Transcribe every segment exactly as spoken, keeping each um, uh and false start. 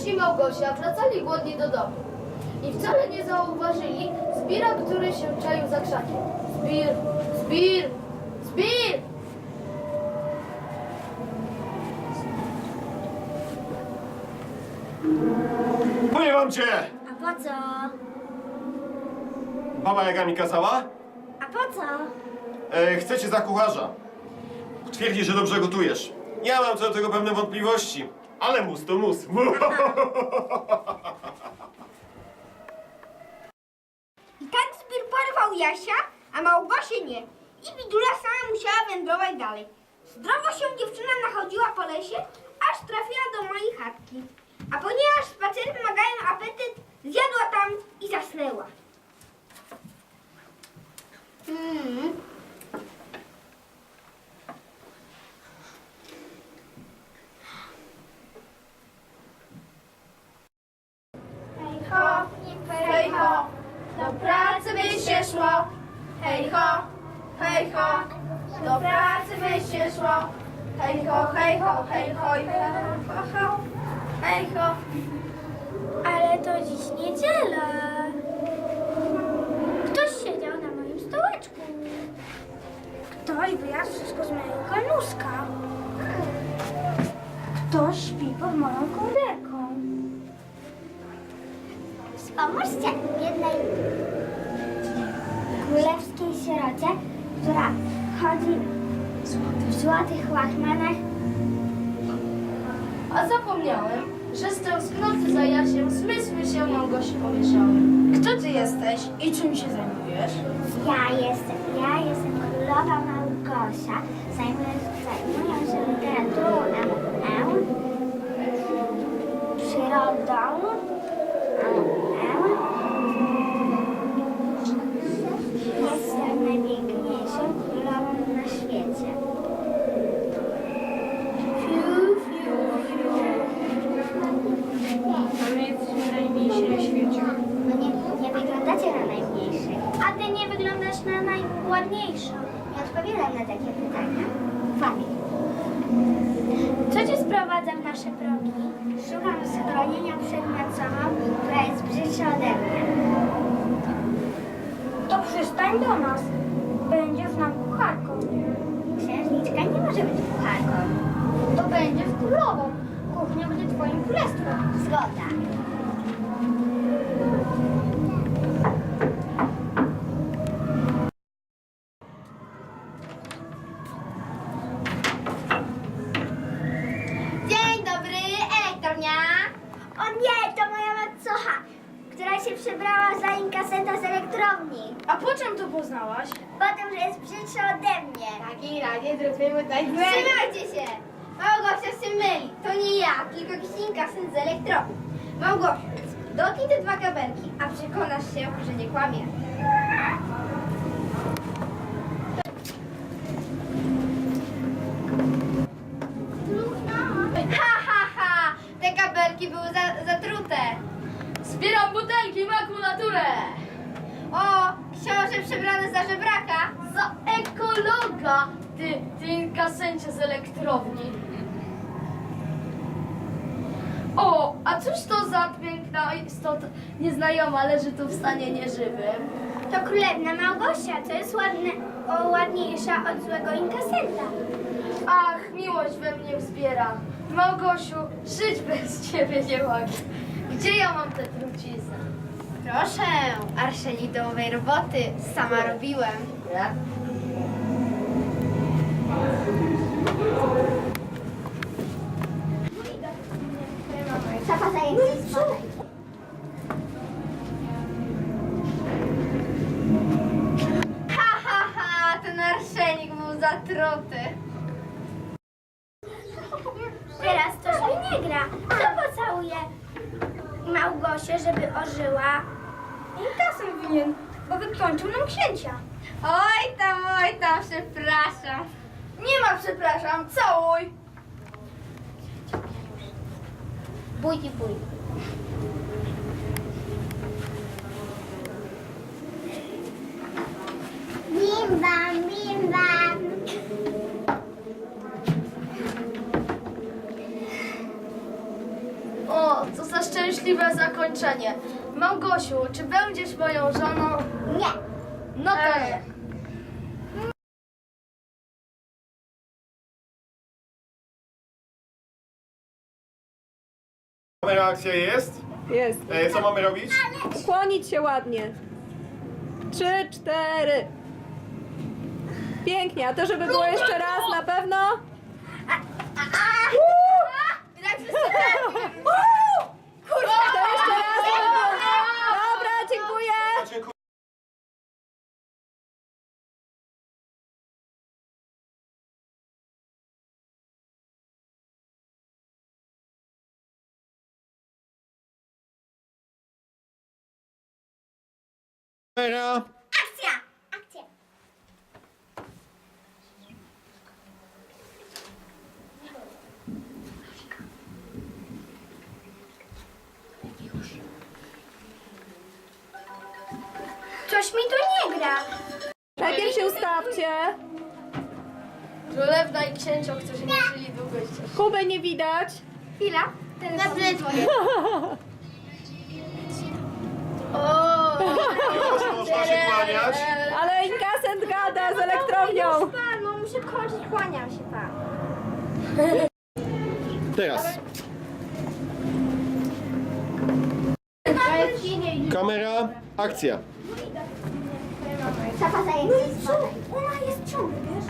i Małgosia wracali głodni do domu i wcale nie zauważyli Zbira, który się czaił za krzakiem. Zbir, Zbir, Zbir! Nie mam cię! A po co? Baba Jaga mi kazała? A po co? E, chcę cię za kucharza. Twierdzi, że dobrze gotujesz. Ja mam co do tego pewne wątpliwości, ale mus to mus. I tak Zbir porwał Jasia, a Małgosię nie. I Bidula sama musiała wędrować dalej. Zdrowo się dziewczyna nachodziła po lesie, aż trafiła do mojej chatki. A ponieważ spacery wymagają apetyt, zjadła tam i zasnęła. Hmm. Hej ho, hej ho, do pracy by się szło. Hej ho, hej ho, do pracy by się szło. Hej ho, hej ho, hej ho, hej ho, ho, hej ho. Ale to dziś niedziela. Ktoś siedział na moim stołeczku. Ktoś wyjadł wszystko z mojego kanuska. Ktoś śpi pod moją kołderką. Wspomóżcie jednej królewskiej sierocie, która chodzi w złotych łachmanach. A zapomniałem, że z tęsknoty za Jasiem zmysły się Małgosi pomieszały. Kto ty jesteś i czym się zajmujesz? Ja jestem, ja jestem królowa Małgosia. Zajmuję, zajmuję się literaturą, nauką, przyrodą. Jestem najpiękniejszą królową na świecie. Fiu, fiu, fiu. Ale jesteśmy najmniejsi na świecie. No nie, nie wyglądacie na najmniejszych. A ty nie wyglądasz na najładniejszą. Nie odpowiadam na takie pytania. Fajnie. Co cię sprowadza w nasze progi? Szukam schronienia przed macową, która jest brzydsza ode mnie. To przystań do nas. Będziesz nam kucharką. Księżniczka nie może być kucharką. To będziesz królową. Kuchnia będzie twoim królestwem. Zgoda. Dzień dobry, elektrownia. O nie, to moja macocha, która się przebrała za inkasenta z elektrowni. A po czym to poznałaś? Potem, że jest brzydsza ode mnie. W takim razie zróbmy tutaj Trzymajcie się! Małgosia się myli. To nie ja, tylko jakiś inkasent z elektrowni. Małgosiu, dotknij te dwa kabelki, a przekonasz się, że nie kłamie. Ha, ha, ha! Te kabelki były za, zatrute. Zbieram butelki, makulaturę! O, książę przebrany za żebraka. Za ekologa! Ty, ty inkasencie z elektrowni. O, a cóż to za piękna istota nieznajoma leży tu w stanie nieżywym? To królewna Małgosia, to jest ładne, o, ładniejsza od złego inkasenta. Ach, miłość we mnie wzbiera. Małgosiu, żyć bez ciebie nie mogę. Gdzie ja mam tę truciznę? Proszę, arszenidowej roboty sama robiłem. Ja? Szafa zajęcie spadaj. Ha, ha, ha, ten arszenik był zatruty. Teraz to już mi nie gra. Kto pocałuje Małgosię, żeby ożyła? Inkasem winien, bo wykończył nam księcia. Oj tam, oj tam, przepraszam. Nie ma przepraszam, całuj! Bój i bój. Bim bam, bim bam. O, co za szczęśliwe zakończenie. Małgosiu, czy będziesz moją żoną? Nie. No to nie. Kamera, akcja jest. Jest. E, co mamy robić? Ukłonić się ładnie. Trzy, cztery. Pięknie, a to żeby było jeszcze raz na pewno? To jeszcze raz. Dobra, dziękuję. Dziękuję. Kamera. Akcja! Akcja! Coś mi tu nie gra. Najpierw się ustawcie. Królewna i księcią, którzy nie żyli długo jeszcze. Kuby nie widać. Chwila. Dobrze, dzwonię. O! Już można się kłaniać. Ale inkasent gada z elektrownią. Pan, no muszę kończyć, kłaniam się pan. Teraz. Kamera, akcja. Trzeba zajęć. Ona jest ciągle, wiesz?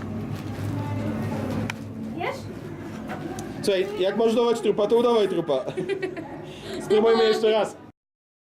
Wiesz? Słuchaj, jak masz udawać trupa, to udawaj trupa. Spróbujmy jeszcze raz.